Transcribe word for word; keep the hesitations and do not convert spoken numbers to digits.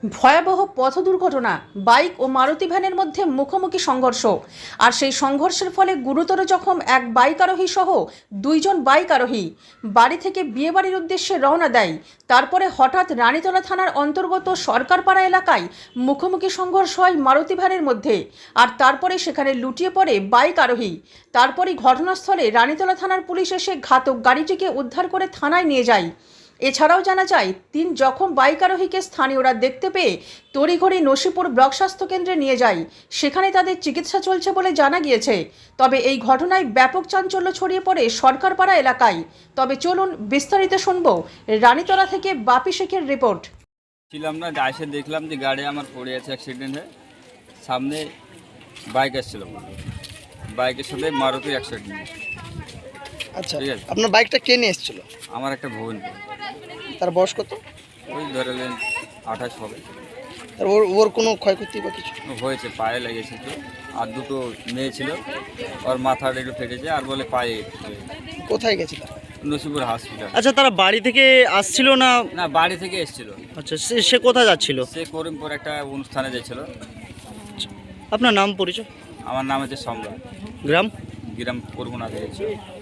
ভয়াবহ পথ দুর্ঘটনা, বাইক ও মারুতি ভ্যানের মধ্যে মুখোমুখি সংঘর্ষ। আর সেই সংঘর্ষের ফলে গুরুতর জখম এক বাইক আরোহী সহ দুইজন বাইক আরোহী। বাড়ি থেকে বিয়েবাড়ির উদ্দেশ্যে রওনা দেয়। তারপরে হঠাৎ রানীতলা থানার অন্তর্গত সরকারপাড়া এলাকায় মুখোমুখি সংঘর্ষ হয় মারুতি ভ্যানের মধ্যে। আর তারপরে সেখানে লুটিয়ে পড়ে বাইক আরোহী। তারপরই ঘটনাস্থলে রানীতলা থানার পুলিশ এসে ঘাতক গাড়িটিকে উদ্ধার করে থানায় নিয়ে যায়। এছাড়াও জানা যায়, তিন জখম বাইক আরোহীকে স্থানীয়রা দেখতে পেয়ে তড়িঘড়ি নসিপুর ব্লক স্বাস্থ্য কেন্দ্রে নিয়ে যায়। সেখানে তাদের চিকিৎসা চলছে বলে জানা গিয়েছে। তবে এই ঘটনায় ব্যাপক চাঞ্চল্য ছড়িয়ে পড়ে সরকারপাড়া এলাকায়। তবে চলুন বিস্তারিত শুনবো রানীতলা থেকে বাপি শেখের রিপোর্ট। ছিলাম না, এসে দেখলাম যে গাড়ি আমার পড়ে আছে, অ্যাক্সিডেন্ট হয়ে সামনে বাইক আসছিল, বাইকের সাথে মারুতি অ্যাক্সিডেন্ট। আচ্ছা, ঠিক আছে। আপনার বাইকটা কে নিয়ে এসেছিল? আমার একটা বোন, তার বয়স কত? ওই ধরেলেন আঠাশ হবে। আর ওর ওর কোনো ক্ষয়ক্ষতি বা কিছু? হয়েছে, পায়ে লেগেছে তো, আর দুটো মেয়ে ছিল, ওর মাথাটা একটু ফেটেছে, আর বলে পায়ে। কোথায় গেছিল? নসিপুর হসপিটাল। আচ্ছা, তারা বাড়ি থেকে আসছিল না? না, বাড়ি থেকে এসেছিল। আচ্ছা, সে সে কোথায় যাচ্ছিল? সে করিমপুর একটা অনুষ্ঠানে যাচ্ছিল। আপনার নাম পরিচয়? আমার নাম হচ্ছে সম্রাট, গ্রাম? গ্রাম করগুনা গেছে।